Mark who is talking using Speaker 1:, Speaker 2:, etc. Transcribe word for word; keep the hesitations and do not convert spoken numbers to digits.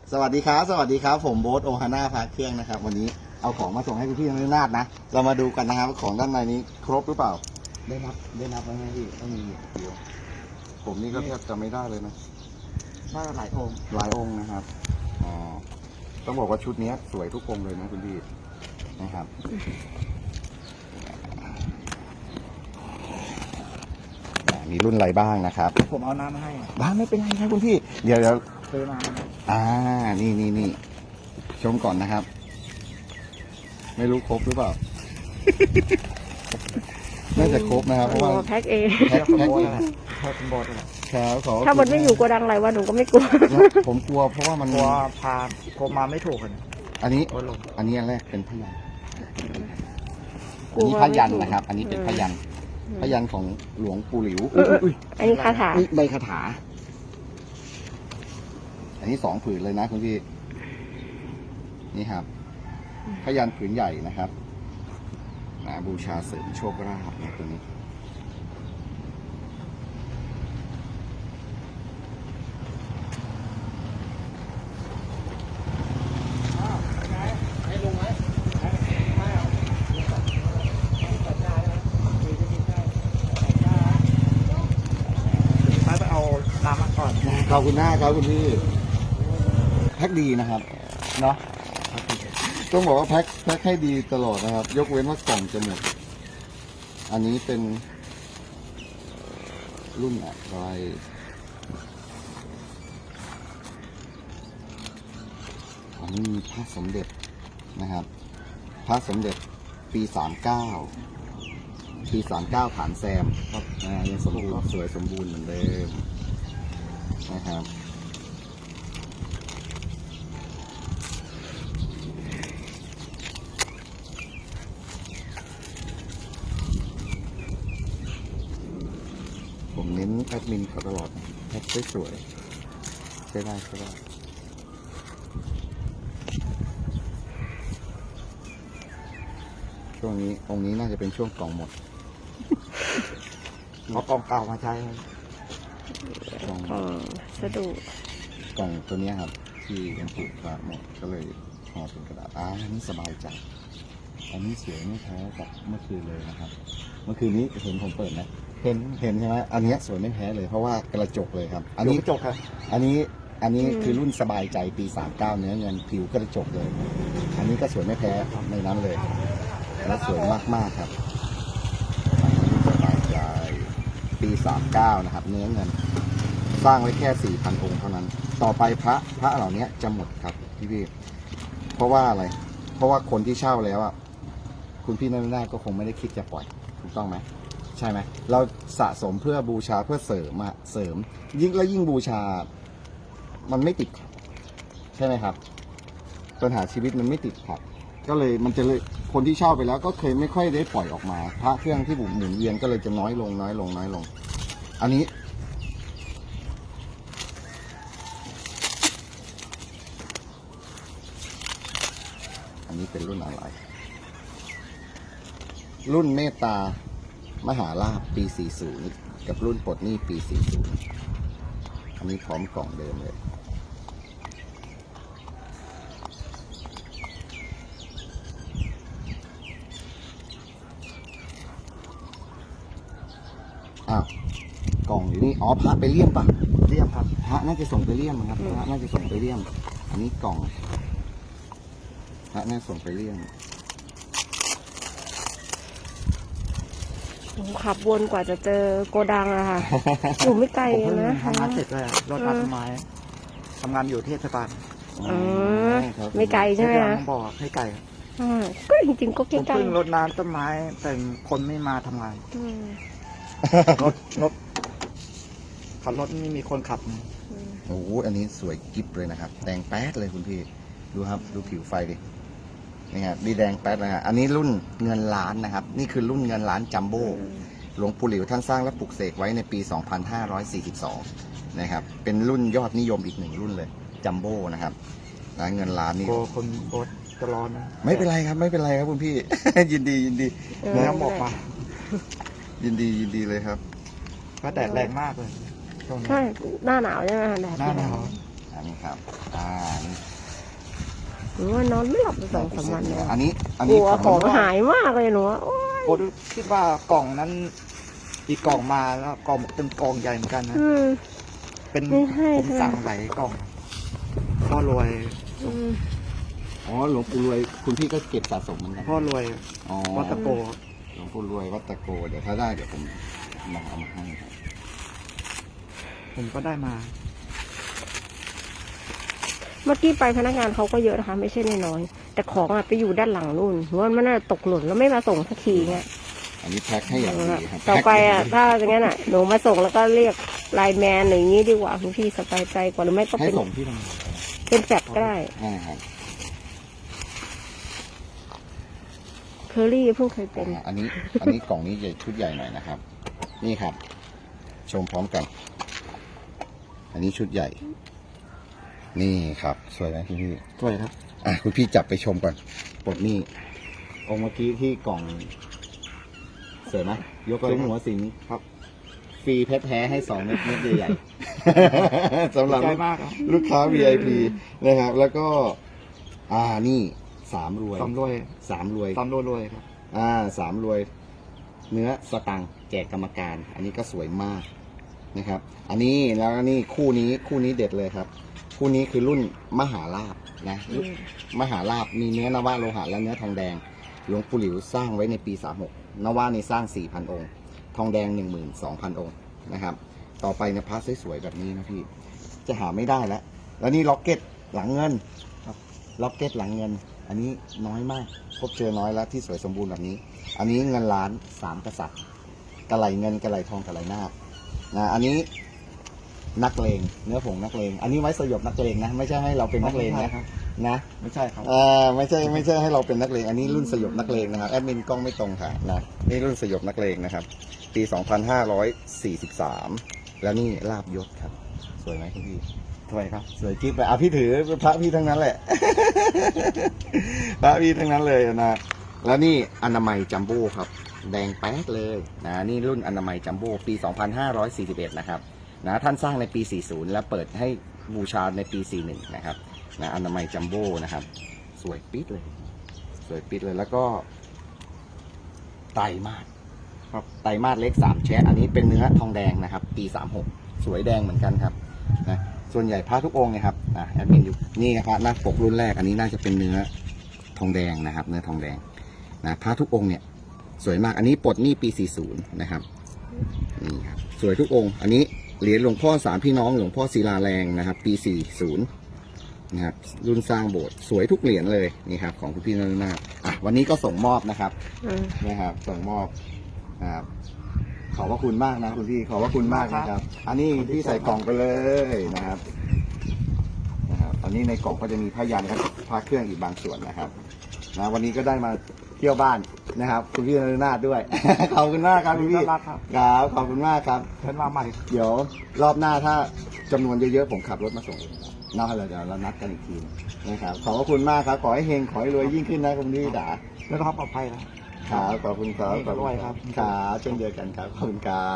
Speaker 1: สวัสดีครับสวัสดีครับผมโบ๊ทโอฮาน่าพาเครื่องนะครับวันนี้เอาของมาส่งให้พี่ๆนักนาฏนะเรามาดูกันนะครับของด้านในนี้ครบหรือเปล่าได้นับได้นับไว้ไหมพี่ต้องมีเดียวผมนี่ก็แทบจะไม่ได้เลยนะน่าหลายองค์หลายองค์นะครับอ่าต้องบอกว่าชุดนี้สวยทุกองค์เลยนะคุณพี่นะครับมีรุ่นอะไรบ้างนะครับ
Speaker 2: ผมเอาน้ำมาให้
Speaker 1: บ้างไม่เป็นไรครับคุณพี่เดี๋ยวเดี๋ยว
Speaker 2: ซื้อมา
Speaker 1: อ่านี่นี่นี่ชมก่อนนะครับไม่รู้ครบหรือเปล่า น่าจะครบนะครับเพราะว่า
Speaker 3: แพ็คเอง
Speaker 1: แพ็คแพ็คเอง
Speaker 2: แพ็คเป็นบอสเลย
Speaker 1: ครับขอ
Speaker 3: ถ้ามันไม่อยู่โกดังอะไรวะหนูก็ไม่กลัว
Speaker 1: ผมกลัวเพราะว่ามัน
Speaker 2: กลัวพาผมมาไม่ถูกกัน
Speaker 1: อันนี้
Speaker 2: โอ้ลง
Speaker 1: อันนี้อันแรกเป็นพยัญชนะ
Speaker 3: กลั
Speaker 1: อัน
Speaker 3: ว
Speaker 1: นี้พยัญชนะนะครับ อันนี้เป็นพยัญชนะพยัญชนะของหลวงปู่หลิวอุ้ย
Speaker 3: อันนี้คาถา
Speaker 1: นี่ใบคาถา อันนี้สองผืนเลยนะคุณพี่นี่ครับพยัญชนะผืนใหญ่นะครับนะบูชาเสริมโชคลาภนะตัวนี้
Speaker 2: ไปเอาน้ำมาก่อน
Speaker 1: ขอบคุณหน้าครับคุณพี่แพ็คดีนะครับเนาะต้องบอกว่าแพ็คแพ็คให้ดีตลอดนะครับ ยกเว้นว่ากล่องจะหมดอันนี้เป็นรุ่นอะไรอันนี้มีพระสมเด็จนะครับพระสมเด็จปีสามเก้าปีสามเก้าฐานแซมครับอ่ายังสมบูรณ์สวยสมบูรณ์เหมือนเดิมนะครับผมเน้นแอดมินเขาตลอดแพ็คสวยๆใช้ได้ใช้ได้ช่วงนี้องค์นี้น่าจะเป็นช่วงกล่องหมด
Speaker 2: เอากล่องเก่ามาใช้
Speaker 1: กล่อง
Speaker 3: อ๋อสะดุด
Speaker 1: กล่องตัวเนี้ยครับ ที่ยังผูกขาดหมดก็เลยห่อเป็นกระดาษอ่าอันนี้สบายใจอันนี้สวยไม่แพ้กับเมื่อคืนเลยนะครับ เมื่อคืนนี้เห็นผมเปิดไหมเห็นเห็นใช่ไหมอันเนี้ยสวยไม่แพ้เลยเพราะว่ากระจกเลยครับ อันนี้
Speaker 2: จกครับ
Speaker 1: อันนี้อันนี้คือรุ่นสบายใจปีสามเก้าเนื้อเงินผิวกระจกเลย อันนี้ก็สวยไม่แพ้ในนั้นเลย และสวยมากๆครับอันนี้สบายใจปีสามเก้านะครับ เนื้อเงิน สร้างไว้แค่สี่พันองค์เท่านั้น ต่อไปพระพระเหล่านี้จะหมดครับพี่พี่เพราะว่าอะไร เพราะว่าคนที่เช่าแล้วอ่ะคุณพี่นั่นได้ก็คงไม่ได้คิดจะปล่อยถูกต้องไหมใช่ไหมเราสะสมเพื่อบูชาเพื่อเสริมอะเสริม ยิ่งและยิ่งบูชา มันไม่ติดขัดใช่ไหมครับปัญหาชีวิตมันไม่ติดขัดก็เลยมันจะเลยคนที่เช่าไปแล้วก็เคยไม่ค่อยได้ปล่อยออกมาพระเครื่องที่บุหมุนเวียนก็เลยจะน้อยลงน้อยลงน้อยลง อันนี้อันนี้เป็นรุ่นอะไร รุ่นเมตตามหาลาภปี สี่สิบ กับรุ่นปลดหนี้ปี สี่สิบ อันนี้พร้อมกล่องเดิมเลยอ้าวกล่องอยู่นี่อ๋อพระไปเลี่ยมปะ
Speaker 2: เรียบครับ
Speaker 1: พระน่าจะส่งไปเลี่ยมครับพระน่าจะส่งไปเลี่ยม อันนี้กล่องพระน่าส่งไปเลี่ยม
Speaker 3: หนูขับวนกว่าจะเจอโกดังอะค่ะ อยู่ไม่ไกล
Speaker 2: ผมเพิ่ง
Speaker 3: นะ
Speaker 2: ทำงานเสร็จเลยอะรถตัดต้นไม้ทำงานอยู่เทศบาล
Speaker 3: อ๋อไม่ไกลใช่ไหม
Speaker 2: เทศบา
Speaker 3: คะ
Speaker 2: ลต้องบอกให้ไก่
Speaker 3: อ่าก็จริงๆก็
Speaker 2: ผ
Speaker 3: ใก
Speaker 2: ม
Speaker 3: ล้
Speaker 2: เพิ่งรดน้ำต้นไม้แต่คนไม่มาทำงาน
Speaker 3: ๆอืม
Speaker 2: รถรถขับรถไม่มีคนขับนะ
Speaker 3: อืม
Speaker 1: โอ้โหอันนี้สวยกิ๊บเลยนะครับ แดงแป๊ดเลยคุณพี่ ดูครับ ดูผิวไฟดิ นี่ครับดีแดงแป๊ดเลยฮะอันนี้รุ่นเงินล้านนะครับ นี่คือรุ่นเงินล้านจัมโบ้ หลวงปู่หลิวท่านสร้างและปลุกเสกไว้ในปี สองพันห้าร้อยสี่สิบสอง นะครับ เป็นรุ่นยอดนิยมอีกหนึ่งรุ่นเลย จัมโบ้นะครับนะเงินล้านนี่
Speaker 2: กลัวคนรถจะร้อนนะ
Speaker 1: ไม่เป็นไรครับ ไม่เป็นไรครับคุณพี่ ยินดียินดี
Speaker 3: เออ
Speaker 2: เนื้อหมกมา
Speaker 1: ยินดียินดีเลยครับ
Speaker 2: ก็แดดแรงมากเลยช่วงนี้
Speaker 3: ใช่หน้าหนาวใช่ไหมคะแดด
Speaker 2: หน้าหนาว
Speaker 1: อันนี้ครับ อ่า นี่
Speaker 3: หนูว่านอนไม่หลับเลยสองสามวันเลย
Speaker 1: อันนี้อัน
Speaker 3: ก
Speaker 1: นี้
Speaker 3: ลัว
Speaker 1: ของ
Speaker 3: ของ
Speaker 1: มัน
Speaker 3: หายมากเลยหนูว่าโอ๊ย
Speaker 2: โอ้คิดว่ากล่องนั้น อีกกล่องมาแล้วกล่องเป็นกล่องใหญ่เหมือนกันนะ
Speaker 3: อืม
Speaker 2: เป็น
Speaker 3: ไม่ใช่
Speaker 2: ผม
Speaker 3: ค่ะ
Speaker 2: สั่งหลายกล่องพ่อรวย
Speaker 3: อืม
Speaker 1: อ๋อหลวงปู่รวยคุณพี่ก็เก็บสะสมเหมือนกัน
Speaker 2: พ่อรวย
Speaker 1: อ๋อ
Speaker 2: วัดตะโก
Speaker 1: หลวงปู่รวยวัดตะโกเดี๋ยวถ้าได้เดี๋ยวผมมาเอามาให้ครับ
Speaker 2: ผมก็ได้มา
Speaker 3: เมื่อกี้ไปพนักงานเขาก็เยอะนะคะ ไม่ใช่น้อยๆแต่ของอะไปอยู่ด้านหลังนู่นหนูว่ามันน่าจะตกหล่นแล้วไม่มาส่งสักทีเงี้ย
Speaker 1: อันนี้แพ็คให้อย่างดีครับ
Speaker 3: ต่อไปอ่ะถ้าอย่างนั้นอ่ะหนูมาส่งแล้วก็เรียกไลน์แมนหรืออย่างนี้ดีกว่าคุณพี่สบายใจกว่าหรือไม่ก็
Speaker 1: ให้
Speaker 3: เป็น
Speaker 1: ส่งที่ทำงาน
Speaker 3: เป็นแฟลชก็ได้
Speaker 1: ใช่ครับ
Speaker 3: เคอรี่เพิ่งเคยเป็น
Speaker 1: อ่าอันนี้อันนี้กล่องนี้ใหญ่ชุดใหญ่หน่อยนะครับ นี่ครับ ชมพร้อมกัน อันนี้ชุดใหญ่ นี่ครับ สวยไหมคุณพี่
Speaker 2: สวยครับ
Speaker 1: อ่ะคุณพี่จับไปชมก่อนปลดหนี่องค์เมื่อกี้ที่กล่องสวยไหมยกซุ้มหัวสิง
Speaker 2: ครับ
Speaker 1: ฟรีเพชรแท้ให้สองเม็ดเม็ดใหญ่ๆ สำหรับ
Speaker 2: ใจมากครับ
Speaker 1: ลูกค้า วี ไอ พี นะครับ แล้วก็ อ่านี่สามรวย
Speaker 2: ตำรวย
Speaker 1: สามรวย
Speaker 2: ตำรวยรวยครับ
Speaker 1: อ่าสามรวย เนื้อสตังค์แจกกรรมการ อันนี้ก็สวยมากนะครับ อันนี้แล้วนี่คู่นี้คู่นี้เด็ดเลยครับ คู่นี้คือรุ่นมหาลาภนะรุ่นมหาลาภมีเนื้อนวะโลหะและเนื้อทองแดง หลวงปู่หลิวสร้างไว้ในปีสามหกนวะในสร้างสี่พันองค์ ทองแดงหนึ่งหมื่นสองพันองค์นะครับ ต่อไปเนี่ยพระสวยๆแบบนี้นะพี่ จะหาไม่ได้แล้ว แล้วนี่ล็อกเก็ตหลังเงินครับล็อกเก็ตหลังเงิน อันนี้น้อยมาก พบเจอน้อยแล้วที่สวยสมบูรณ์แบบนี้ อันนี้เงินล้านสามกษัตริย์กระไหลเงินกระไหลทองกระไหลนาคนะ อันนี้นักเลงเนื้อผงนักเลง อันนี้ไว้สยบนักเลงนะ ไม่ใช่ให้เราเป็นนักเลงนะ
Speaker 2: ครับ
Speaker 1: นะ
Speaker 2: ไม่ใช่ครับ
Speaker 1: อ่าไม่ใช่ไม่ใช่ให้เราเป็นนักเลง อันนี้รุ่นสยบนักเลงนะครับแอดมินกล้องไม่ตรงค่ะนะนี่รุ่นสยบนักเลงนะครับ ปี สองพันห้าร้อยสี่สิบสาม แล้วนี่ลาบยศครับ สวยไหมคุณพี่
Speaker 2: สวยครับ
Speaker 1: สวยจิ๊บเลยอ่ะพี่ถือพระพี่ทั้งนั้นแหละ พระพี่ทั้งนั้นเลยนะแล้วนี่อนามัยจัมโบ้ครับ แดงแป๊ดเลยนะนี่รุ่นอนามัยจัมโบ้ปี สองพันห้าร้อยสี่สิบเอ็ด นะครับนะท่านสร้างในปี สี่สิบ แล้วเปิดให้บูชาในปี สี่สิบเอ็ด นะครับนะอนามัยจัมโบ้นะครับ สวยปิดเลย สวยปิดเลยแล้วก็ไตรมาสครับไตรมาสเล็กสามแชะอันนี้เป็นเนื้อทองแดงนะครับ ปีสามหกสวยแดงเหมือนกันครับนะส่วนใหญ่พระทุกองค์เนี่ยครับนะแอดมินอยู่นี่ครับพระหน้าปกรุ่นแรกอันนี้น่าจะเป็นเนื้อทองแดงนะครับ เนื้อทองแดงนะพระทุกองค์เนี่ยสวยมากอันนี้ปลดหนี้ปีสี่สิบนะครับนี่ครับสวยทุกองค์ อันนี้เหรียญหลวงพ่อสามพี่น้องหลวงพ่อศิลาแรงนะครับ ปีสี่สิบนะครับรุ่นสร้างโบสถ์สวยทุกเหรียญเลยนี่ครับของคุณพี่นรนาถอ่ะวันนี้ก็ส่งมอบนะครับ
Speaker 3: อืม
Speaker 1: นะครับส่งมอบนะครับขอบพระคุณมากนะคุณพี่ขอบพระคุณมากนะครับ อันนี้พี่ใส่กล่องไปเลยนะครับนะครับอันนี้ในกล่องก็จะมีผ้ายันครับผ้าเครื่องอีกบางส่วนนะครับนะวันนี้ก็ได้มาเที่ยวบ้านนะครับ คุณพี่นรนาถด้วย ขอบคุณมากครับคุณพี่
Speaker 2: น่ารักครับ
Speaker 1: ครับขอบคุณมากครับ
Speaker 2: เชิญมาใหม่
Speaker 1: เดี๋ยวรอบหน้าถ้าจำนวนเยอะๆผมขับรถมาส่งนอกเราเดี๋ยวเรานัดกันอีกทีนะครับขอบพระคุณมากครับขอให้เฮงขอให้รวยยิ่งขึ้นนะคุณพี่จ๋า
Speaker 2: แล้วก็ปลอดภัยนะ
Speaker 1: ครับขอบคุณครับ
Speaker 2: ขอบคุณครับ
Speaker 1: ครับเช่นเดียวกันครับขอบคุณครับ